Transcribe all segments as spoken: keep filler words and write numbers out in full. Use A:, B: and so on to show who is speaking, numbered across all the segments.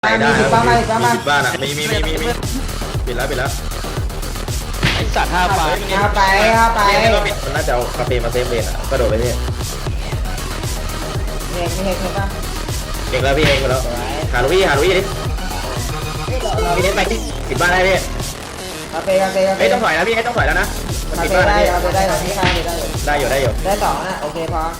A: ไปได้
B: มี
A: แล้ว
B: บ้านมาอีกบ้านมา
A: มีบ้านอ่ะมีมีมีมีมีปิดแล้วปิดแล้ว
C: ไอสัตว์ห้าฟ้า
B: เอาไปเอาไป
A: นี่ก็ปิดมันน่าจะเอาคาเฟ่มาเซฟเลนอ่ะกระโดดไปพี่
B: เห็นเห็นเห็นป่ะ
A: เองแล้วพี่เองไปแล้วหาลุยหาลุยดิพี่เน้นไปที่ปิดบ้านได้พี่
B: เอาไปเอาไปเอาไป
A: เฮ้ยต้องถอยนะพี่เฮ้ยต้องถอยแล้วนะมัน
B: เอา
A: ปิด
B: ไป
A: บ้าน
B: ได้
A: นะพี่
B: เอาไปได้เอาไปได้ได้
A: ได้อยู่ได้อยู่
B: ได้สองนะโอเคพอ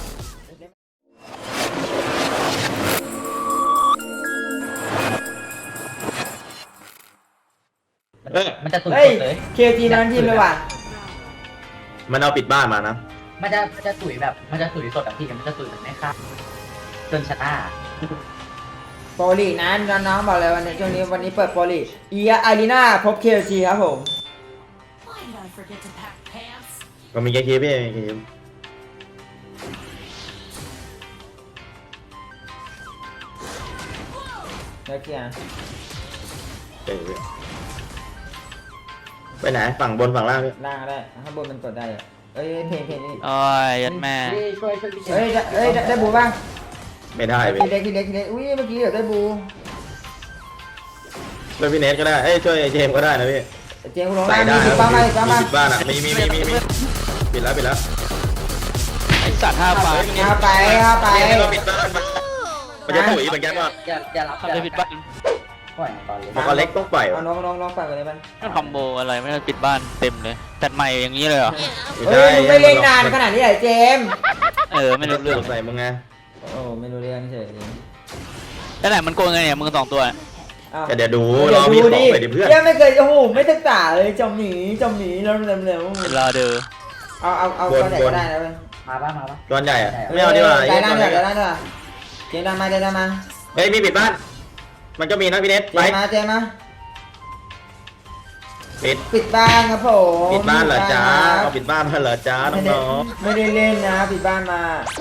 A: เออ
D: มันจะตุย
B: เฮ้ย
D: สดเลย
B: เคจีนั้นทีมเลยว่ะ
A: มันเอาปิดบ้านมานะ
D: มันจะมันจะตุยแบบมันจะตุยสดแบบพี่มันจะตุยแบบไม่ค่าจนชนะ
B: โปรลีกนะน้องๆบอกเลยวันนี้ช่วงนี้วันนี้เปิดโปรลีกเอียอารีนาพบเคจีครับผม
E: Why did I forget to pack pants?
A: ก็มีแค่คีพี่มีแค่คี
B: แล้วเกียร์
A: เจ๋งพี่ไปไหนฝั่งบนฝั่งล่างพี่
B: ล่างก็ได้ข้างบนมันกดได้อะเอ้ยเพลงเพลงนี่
C: โอ้ยยัดแม่
D: พี่ช่วยช่วยพี่เจ
B: เอ้ยได้เอ้ยได้ได้บูบ้าง
A: ไม่ได้พี่
B: ทีเล็กทีเล็กทีเล็กอุ้ยเมื่อกี้เดี๋ยวได้บู
A: แล้วพี่เนทก็ได้เอ้ยช่วยเจมส์ก็ได้นะพี่
B: เจมส์กูลง
A: ใส่
B: ล่าง
A: ได้
B: มีบ้านมาอีกบ้านมา
A: ปิดบ้านอ่ะมีมีมีมีมีปิดแล้วปิดแล้ว
C: ไอสัตว์ห้าฟ้า
B: เอาไปเอาไป
A: นี่ก็ปิดบ้านมันมันจะตุ๋ยเหมือนกันว่า
D: อย่าอย่ารับ
C: ทำได้ผิดบ้าน
D: ปล่อยก่อนเลย
A: มังกรเล็กต้องปล่อย
B: เอาน้องน้องน้องไปก่อนเลยมัน
C: นั่นคอมโบอะไรไม่ได้ปิดบ้านเต็มเลยจัดใหม่อย่างนี้เลยเหรอ
B: เฮ้ยมึงไม่เล่นนานขนาดนี้เหรอเจมส์
C: เออไม่รู้เรื่อง
A: ใส่มึงไง
B: โอ้ไม่รู้เรื่องเฉย
C: แล้วไหนมันโกงไงเนี่ยมึงสองตัว
B: อ้าว
A: แต่เดี๋ยวดู
B: เดี๋
A: ร
B: ยว
A: อมี
B: ดู
A: ขอ
B: ดิ
A: งไปดิเพื่อน
B: ยังไม่เคยโอ้โหไม่ศึกษาเลยจมหนีจมหนีเร็วเร็วเร็ว
C: รอดู
B: เอาเอาเอาตัวไหนก็ได้นะเว้ย
D: มาบ้ามาบ้า
A: ตอนใหญ่อะไม่เอาดีกว่า
B: ใจร้านเถอะใจร้านเถอะเจมส์ดันมาเจมส์ดันมา
A: เฮ้ยมีปิดบ้าน มันก็มีนะพี่เนท
B: เจ
A: ไป
B: มส์มาเจมส์มา
A: ปิด
B: ปิดบ้านครับผม
A: ปิดบ้านเหรอจ้า
B: ค
A: เอา
B: รับ
A: ปิดบ้านมาเหรอจ้า
B: ไม่ได้
A: น้อง
B: ไม่ได้เล่นนะปิดบ้านมา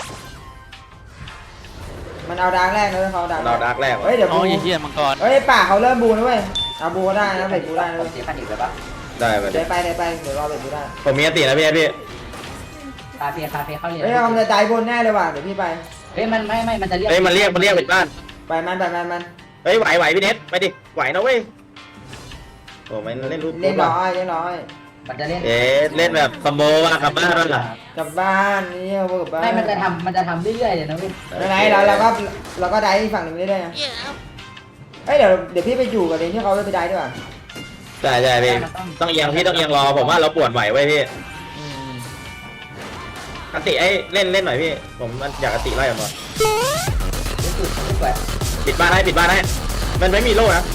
B: มันเอาดาร์กแรกนะเว้ยเขาเอาดาร์ก
A: ๆเราดักแรก
B: เฮ้ยเดี๋ยว
C: อ๋
B: บู
C: อยี่เหี้ยมังกร
B: เฮ้ยป่าเขาเริ่มบูนะเว้ยเอาบูก็ได้นะเบ็ดบูได้นะ
D: ผม
B: เว้ย
D: เสียพันอีกเลยปะ
A: ได้ไป
B: เดี๋ยวไปเดี๋ยวไปเดี๋ยวรอเบ็ดบูได้
A: ผมมีอตินะพี่เนทพี่
D: คาเฟ่คาเฟ่เข้าเรียน
B: เฮ้ยมันจะใจบนแน่เลยว่ะเดี๋ยวพี่ไป
D: เฮ้ยมันไม่ไม่มันจะเรียก
A: เฮ้ยมันเรียกมันเรียกปิดบ้าน
B: ไปมันไปมันมัน
A: เฮ้ยไหวไหวพี่เนทไปดิไหวนะเว้ยโอ้ไม่เล่นรูป
B: เล่นร้อยเล่นร้อย
D: มันจะเล่น
A: เอ๊ะเล่นแบบคอมโบว่ะกลับบ้านแล้วล่ะ
B: กลับบ้านนี่เอากลับบ้าน
D: ไม่มันจะทำมันจะทำเรื่อยๆเลยนะเว้ย
B: ไม่ไหนเราเราก็เราก็ได้ฝั่งหนึ่งได้ด้วยนะเฮ้ยเดี๋ยวเดี๋ยวพี่ไปอยู่กับเรนที่เขาไปได้ด้วย
A: ใช่ใช่พี่ต้องเอียงพี่ต้องเอียงรอผมว่าเราปวดไหวไว้พี่
B: อืม
A: อติไอ้เล่นเล่นหน่อยพี่ผมมันอยากอติไล่ออกมา
D: รู้สึกรู้สึกแบบ
A: ปิดบ้านให้ปิดบ้านให้มันไม่มีโล่นะ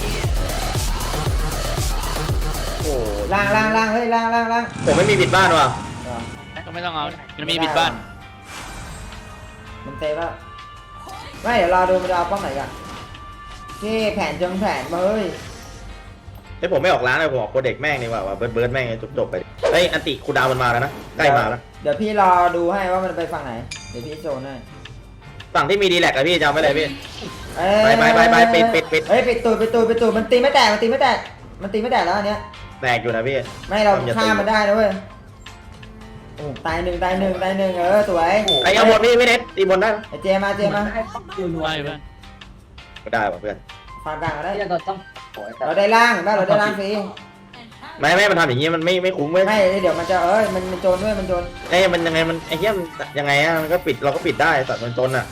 A: โอ้
B: ล่างล่างล่างเฮ้ยล่างล่างล่าง
A: ผมไม่มีปิดบ้านว่ะ
C: ก็ไม่ต้องเอามันมีปิดบ้าน
B: มันเตะแล้วไม่เดี๋ยวรอดูมันจะเอาป้อมไหนกันนี่แผนจงแผนมาเฮ้ย
A: เฮ้ยผมไม่ออกร้านเลยผมออกโคเด็กแม่งดีกว่าว่ะเบิร์ดเบิร์ดแม่งจบจบๆไปเฮ้ยอันติคูดาวมันมาแล้วนะใกล้มาแล้ว
B: เดี๋ยวพี่รอดูให้ว่ามันไปฝั่งไหนเดี๋ยวพี่โซนให้
A: ฝั่งที่มีดีแลกอะพี่จำไว้เลยพี่
B: เอ้ย
A: ไปไปไปไปปิดปิดปิด
B: เฮ้ยปิดตูดปิดตูดปิดตูดมันตีไม่แตกมันตีไม่แตกมันตีไม่แตกแล้วอันเนี้ย
A: แตกอยู่นะพี่
B: ไม่เราฆ่ามันได้นะเว้ยโอ้ตายหนึ่งตายหนึ่งตายหนึ่งเออสวย
A: ไอ้เอาบนพี่ไม่เน็ตตีบนได้
B: ไอ้เจมาเจมา
D: ให้ต้องดูนัว
C: ไม่
D: เล
C: เพื่
D: ย
C: อน
A: ก็ได้ป่ะเพื่อน
B: ฟาร์มกลางก็ได้
D: ที่เราต้องโอ้ยแต่
B: เราได้ล่างบ้านเราได้ล่างฟรี
A: ไม่ไม่มันทำอย่างงี้มันไม่ไม่คุ้มเว้ย
B: ไม่เดี๋ยวมันจะเอ้ยมันมันโจรด้วยมันโจร
A: เอ้ยมันยังไงมันไอ้เหี้ยมันยังไงอะมันก็ปิดเราก็ปิดได้สัตว์มันจนอะ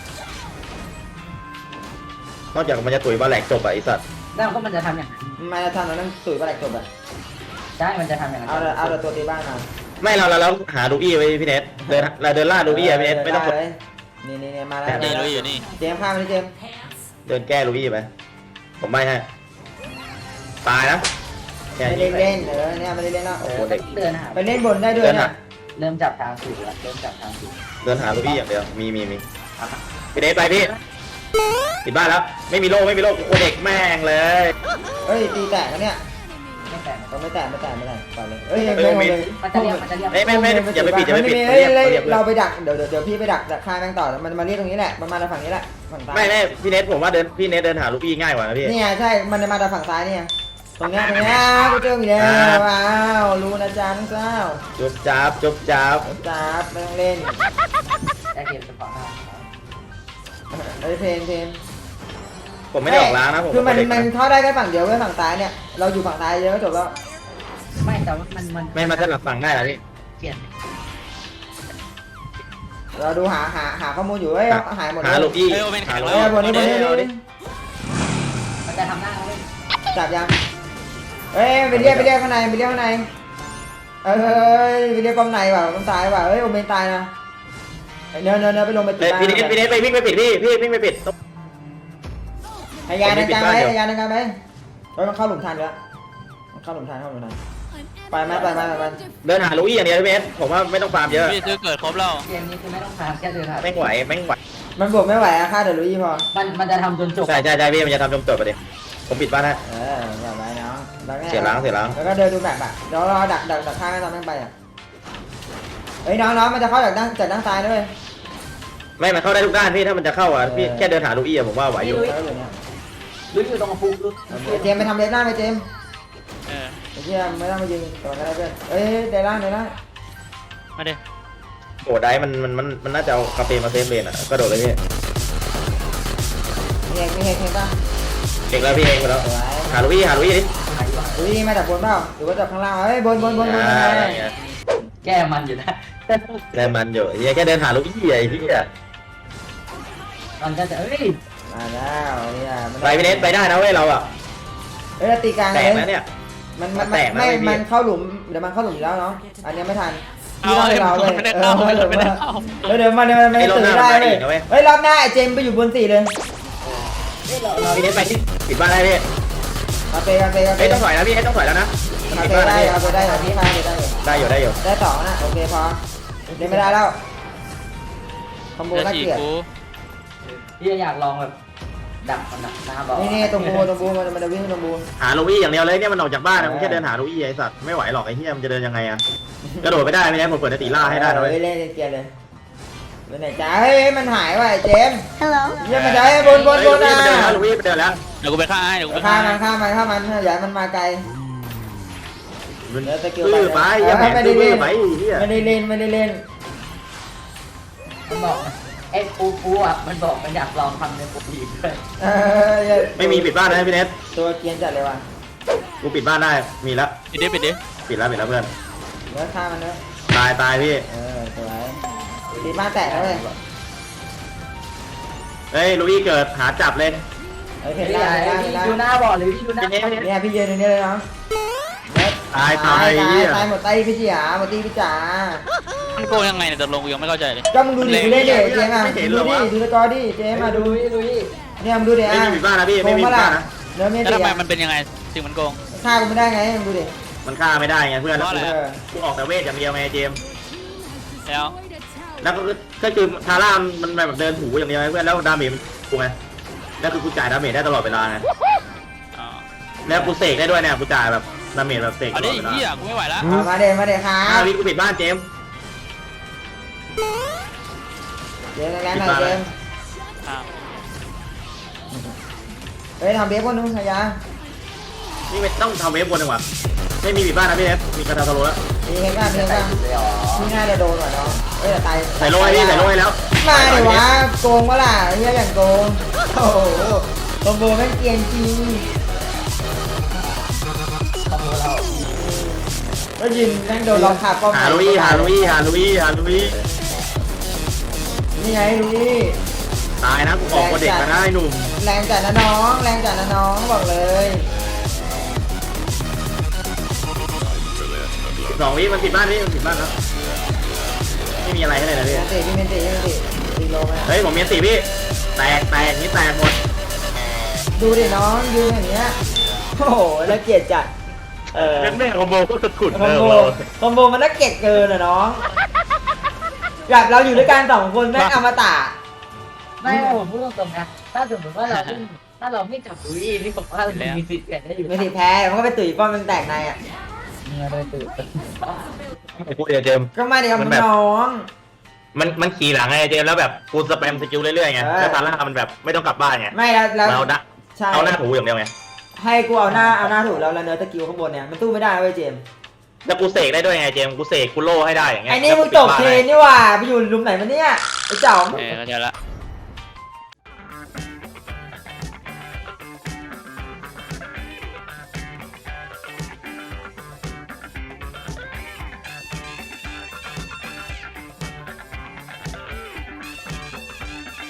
A: นอกจากมันจะตุ๋ยบาแหลกจบอะไอสัตว์
D: แล้วก็มันจะทำอย่างนั้น
B: มาจะทำเราต้องตุ๋ยปลาไหลจบอ่ะ
D: ใช่มันจะทำอย่างนั้น
B: เอาเอาเอาตัวตีบ้านมา
A: ไม่เราเราเราหาดูอี้ไว้พี่เน็ตเดินเราเดินล่าดูอี้อะพี่เน็ตไม่ต้องกด
B: เลยนี่นี่นี่มาแล้ว
C: เจรู้อยู่นี่
B: เจมข้ามไปเจม
A: เดินแก้ดูอี้ไปผมไม่ให้ตายนะแค่
B: ไม่
A: นี้
B: ได้เล่นเออเนี่ยไม่ได้เล่นแล้ว
D: เออเดินหา
B: ไปเล่นบนได้ด้วยเนี่ย
D: เริ่มจับทางถูกแล้วเริ่มจับทางถูก
A: เดินหาดูอี้อย่างเดียวมีมีมีพี่เน็ตไปพี่ปิดบ้านแล้วไม่มีโล่ไม่มีโล่โคเด็กแม่งเลย
B: เฮ้ยตีแตกกันเนี่ย
D: ไม่แต่
B: ก็ไม่แตกไม่แตกไม่แตกต่อเลยเอ้ยยังไม่หมดเลย
D: มันจะเรียกมันจะเรียก
A: ไม่ไม่ไม่อย่าไปปิดอย่าไปปิด
B: เฮ้ย
A: เรียก
B: เฮ้ย
A: เรียก
B: เราไปดักเดี๋ยวเดี๋ยวพี่ไปดักดักฆ่าแม่งต่อมันมาเรียกตรงนี้แหละมันมาทางฝั่งนี้แหละฝั่งซ้าย
A: ไม่ไม่พี่เน็ตผมว่าเดินพี่เน็ตเดินหาลูกอี้ง่ายกว่านะพี่
B: นี่ไงใช่มันจะมาทางฝั่งซ้ายเนี่ยตรงเนี้ยตรงเนี้ยกูเจออีกแล้วว้าวรู้นะจ๊ะน้องเจ้า
A: จุบจับจุบจับ
B: จ้าไม่ต้องเล่น
D: ได้เกมสปอร์ต
B: เอ้ยเพนเพน
A: ผมไม่ได้ออกล้างนะผม
B: คือมัน
A: เด็ก
B: มันเข้าได้แค่ฝั่งเดียวเว้ยฝั่งซ้ายเนี่ยเราอยู่ฝั่งซ้ายเยอะก็จบแล้ว
D: ไม่แต่ว่ามันมัน
A: ไม่มาจะหลับฟังได้เหรอพี่
D: เปลี่ยน
B: เราดูหาหาหาข้อมูลอยู่เฮ้ยหายหมดเล
A: หาย ลูกอี้
C: เฮ้ยโอเมนแข็
A: หาง ลูก
C: แล้
A: อี้
C: ว
B: บนนี้บนนี้บนนี้
D: มันจะทำหน้าเขาเลย
B: จับยังเอ้ยไปเรียกไปเรียกข้างในไปเรียกข้างในเอ้ยไปเรียกกองในว่ะกองซ้ายว่ะเฮ้ยโอเมนตายนะเนื้อเนื้อเนื้อไปลงไปติด
A: เฮ้ย
B: บ้าน
A: พี่เนสพี่เนสไปวิ่งไปปิดพี่พี่วิ่งไปปิด
B: ให้ยาในกลางไป
A: ผมไม่ปิดบ้านเดี๋ยว
B: ให้ยาในกลางไปเฮ้ยมันเข้าหลุมทันแล้วมันเข้าหลุมทันเข้าหลุมทัน ไปไหมไปไหมไปไหม
A: เดินหาลูกอี้อย่างเดียวพี่เนสผมว่าไม่ต้องฟาร์มเยอะ
C: พี่ซื้อเกิดครบแล้ว
D: เกมนี้คือไม่ต้องทำแค่เดินผ่าน
A: แม่งไหวแม่งไหว
B: มันบวกไม่ไหวอะค่าเดี๋ยวรู้ยี่พอ
D: มันมันจะทำจนจบ
A: ใช่ใช่ใช่พี่มันจะทำจมจบไปดิผมปิดบ้านให้
B: เออแบบไรเนาะแล้วไ
A: เสียล้างเสียล้าง
B: แล้วก็เดินดูแบบอะเดี๋ยวรอดักดักดักข้างให้ตอนแม่งไปอะเฮ้ยน้องน้องมันจะเข้าจากด้านจากด้านซ้ายด้วย
A: ไม่มันเข้าได้ทุกด้านพี่ถ้ามันจะเข้าอ่ะพี่
B: เออ
A: แค่เดินหาลูกอี้อะผมว่าไหวอยู่
B: แล้วอยู่เนี่ย
D: หรืออยู่ตรงฟูรู้
B: เจมส์ไปทำเลนล่างไปเจมส์
C: เออ
B: ไอ้เหี้ยไม่ต้องมายิงก่อนก็ได้เพื่อนเอ้ยเดนล่างเดนล่าง
C: มาดิ
A: โอ้ได้มันมันมันมันน่าจะเอาคาเฟ่มาเซฟเลนอ่ะกระโดดเลยพี่
B: มีเอกมีเอกเห็นป่ะ
A: เก่งแล้วพี่เองไปแล้ว
B: สวย
A: หาลูกอี้หาลูกอี้ดิ
B: อุ้ยมาจากบนเปล่าหรือว่าจากข้างล่างเฮ้ยบนบนบนบน
A: อ่า
B: บน
A: เนี่ย
D: แก้มันอยู่นะ
A: ได้มันอยู่เฮียแค่เดินหาลูกอี้ไอ้ที่อ่ะ
D: มันก็จะเอ้ย
B: มาแล้วเนี่ยมัน
A: ไปพี่เนสไปได้นะเว้ยเราอ่ะ
B: เอ้ยตีกลาง
A: แต
B: เล
A: กนะ
B: ย
A: เนี่ย
B: มันมัน
A: แตกนะ
B: ไม่
A: เว้ยพี่
B: มันเข้าหลุมเดี๋ยวมันเข้าหลุมอยู่แล้วเนาะอันเนี้ยไม่ทัน
C: เอา
B: พี่
C: เอ้ย
B: ต้อง
C: มันไม่ได้เข้ามันไม่ได้เข้า
B: เออเดี๋ยวมันเดี๋ยวมันไม่ตื่นได้เลยเฮ้ยรอบหน้าไอ้เจมส์ไปอยู่บนสี่เลย
A: พี่เนสไปที่ปิดบ้านได้พี่
B: คาเฟ่คาเฟ่คา
A: เอ้
B: เฟ่
A: ยต้องถอยแล้วพี่เอ้ยต้องถอยแล้วนะ
B: คา
A: ปิด
B: เฟ่
A: บ้าน
B: ได้
A: นะ
B: คาเฟ่ได้คาเฟ่ได้ได้
A: ได้อยู่ได้อยู่
B: ได้สองนะโอเคพอเล่นไม่ได้แล้วคอมโบ
C: เดี๋ยว
B: น่า
C: ฉีก
B: เกลียด
C: กู
D: พี่อยากลองแบบดักมันดักหน้าบอล
B: นี่นี่ตรงบูตรงบูมันมันจะวิ่งตรงบู
A: หาลูกอี้อย่างเดียวเลยเนี่ยมันออกจากบ้านนะมึงแค่เดินหาลูกอี้ไอ้สัตว์ไม่ไหวหรอกไอ้เฮียมันจะเดินยังไงอ่ะกระโดดไม่ได้ไม่ได้ผมเปิดในตีล่าให้ได้นะเว้ย
B: เล่นเกลียดเลยไปไหนจ้าเฮ้ยมันหายว่ะไอ้เจมส์
E: Hello.
B: เยี่ยมมาได้บนบนบน
A: เฮ้ย
B: นะ
A: ลูกอี้ไปเดินแล้วลูกอี้ไปเดินแล้ว
C: เดี๋ยวกูไปฆ่าให้เดี๋ยวกูไป
B: ข้า
C: ฆ่า
B: มันข้ามันข้ามันอย่าให้มันมาไกล
A: มัน
B: เดี๋ยวสกิล
A: ตื้อไปยังแหม
B: ไม่ได้
A: ตื้
B: เล่
A: อน ไปไอ้เฮีย
B: ไม่ได้เล่นไม่ได้เล่น
D: มันบอกไอ้ปูปูอ่ะมันบอกมันอยากลองทำในโปรลีกด้วย
B: เออ
A: ไม่มีปิดบ้านนะพี่เนส
B: ตัวเกรียนจัดเลยว่ะ
A: กูปิดบ้านได้มีแล้ว
C: ปิดดิปิดดิ
A: ปิดแล้วปิดแล้วเพื่อน
B: เนื้อข้ามันเนื้อ
A: ตายตายพี่
B: เออสวยตีบ้านแตกแล้วเลย
A: เฮ้ยลูกอี้เกิดหาจับเลย
B: เฮ้ยเพ
D: พี่
B: ชรล่างเพชรล่างเพชรล่าง
D: ดูหน้าบอลหรือพี่ดูหน้า
A: พี่เนสพี่เนส
B: เนี่ยพี่ยืนตรงนี้เลยน้อง
A: ตาย
B: ตา
A: ตาย
B: ย
A: ไอ้
B: ตาย
A: เหี้ย
B: ตายหมดไตพี่จ๋าหมดตีพี่จ๋า
C: มันโกงยังไงเนี่ยตกลงกูยังไม่เข้าใจเลย
B: ก็มึงดูดิดูเล่นดิเจมส์อ่ะดูดิดูสกอร์ดิเจมส์อ่ะดู
D: ลุยลุย
B: เนี่ยมึงดูดิ
A: ไม่
B: อ่ะ
A: มีปิดบ้านนะพี่ไม่มีปิดบ้านนะ
B: เนื้อเมีย
C: แล้ว
B: ตี
C: ทำไม
B: อ่ะ
C: มันเป็นยังไงสิ่งมันโกง
B: ฆ่ากูไม่ได้ไงมึงดูดิ
A: มันฆ่าไม่ได้ไงเพื่อนแล้ว
C: เพราะ
A: กู
C: อะไร
B: เออ
A: กูออกแต่เวทอย่างเดียวไงเจมส์
C: แล้ว
A: แล้วก็คือก็คือทาร่ามันแบบเดินถูอย่างเดียวไงเพื่อนแล้วดาเมจมันกูไงแล้วคือกูจ่ายดาเมจได้ตลอดเวลาไง
C: อ๋อ
A: แล้วกูเสกได้ด้วยเนี่ยกูจ่ายแบบดาเมจแบบเสกต
C: เอา
A: ล
C: ดิ
A: อดเวลา
C: เฮียกูไม่ไหวแล้ว
B: เอามาเดมาเดครั
A: ห้า
B: บ
A: วิกูปิดบ้านเจมส์
B: เจมส์แรงๆหน่อยเจมส์
C: อ้าว
B: เฮ้ยทำเบฟก่อนนู้นพยา
A: นี่ไม่ต้องทำเวฟบนดีกว่าไม่มีปิดบ้านนะพี่เอฟมีกระทาตะโลแล้ว
B: มีเพลงกันเพลงกัน
D: เลยอ๋อ
B: ที่น่าจะโดนหน่อยเนาะเอ้ยแต่ตาย
A: ใส่โลให้พี่ใส่โลให้แล้ว
B: มาดิวะโกงวะล่ะเฮียอย่างโกงโอ้โหคอมโบแม่งเกรียนจริง
D: คอมโบเรา
B: ก็ยินแม่งโดนล็อกขาป้อม
A: หาลุยหาลุยหาลุยหาลุย
B: นี่ไงลุย
A: ตายนะกูออกคนเด็กมาได้หนุ่ม
B: แรงจัดนะน้องแรงจัดนะน้องบอกเลย
A: สองวิมันปิดบ้านพี่มันปิดบ้านแล้วไม่มีอะไรให้เลยนะพี่
B: เมนติพี่เมนติพี่เมนติตีโลไหม
A: เฮ้ยผมมีสี่พี่แตกแตกนี่แตกหมด
B: ดูดิน้องยืนอย่างเงี้ยโอ้โหแล้วเกลียดจัดเออ
A: เล่นแม่คอมโบก็สุดขุด
B: คอมโบคอมโบมันน่าเกลียดเกินอะน้องแบบเราอยู่ด้วยกันสองคนแม่งอมตะ
D: ไม่ผมพูดตรงๆนะถ้าสมมติว่าเราไม่ถ้าเราไม่จับลุยนี่ผมว่าเรามีสิทธิ์เกิดได้อยู่
B: ไม่สิแพ้มันก็ไปตุ๋ยป้อมมันแตกในอ่ะ
D: เนี่ยเลยตื่น
A: กูเดี๋ยวเจม
B: ก็มาเดี๋ยวมันน้อง
A: มันมันขี่หลังไงเจมแล้วแบบกูสแปมสกิลเรื่อยๆไง
B: เออ
A: แล้วทาร่ามันแบบไม่ต้องกลับบ้านไง
B: ไม่แล้วแล้ว
A: เราดะ
B: ใช่
A: เอาหน้าถูอย่างเดียวไง
B: ให้กูเอาหน้าเอาหน้าถูกแล้วแล้วเนื้อตะกิ้วข้างบนเนี่ยมันสู้ไม่ได้เว้ยเจมส์
A: แล้วกูเสกได้ด้วยไงเจมกูเสกกูโล่ให้ได้อย่างเงี้ย
B: ไอ้นี่มึงตกเทรนนี่หว่าไปอยู่หลุมไหนมาเนี่ยไอ้เจ๋อ
C: เออเข้าใจละ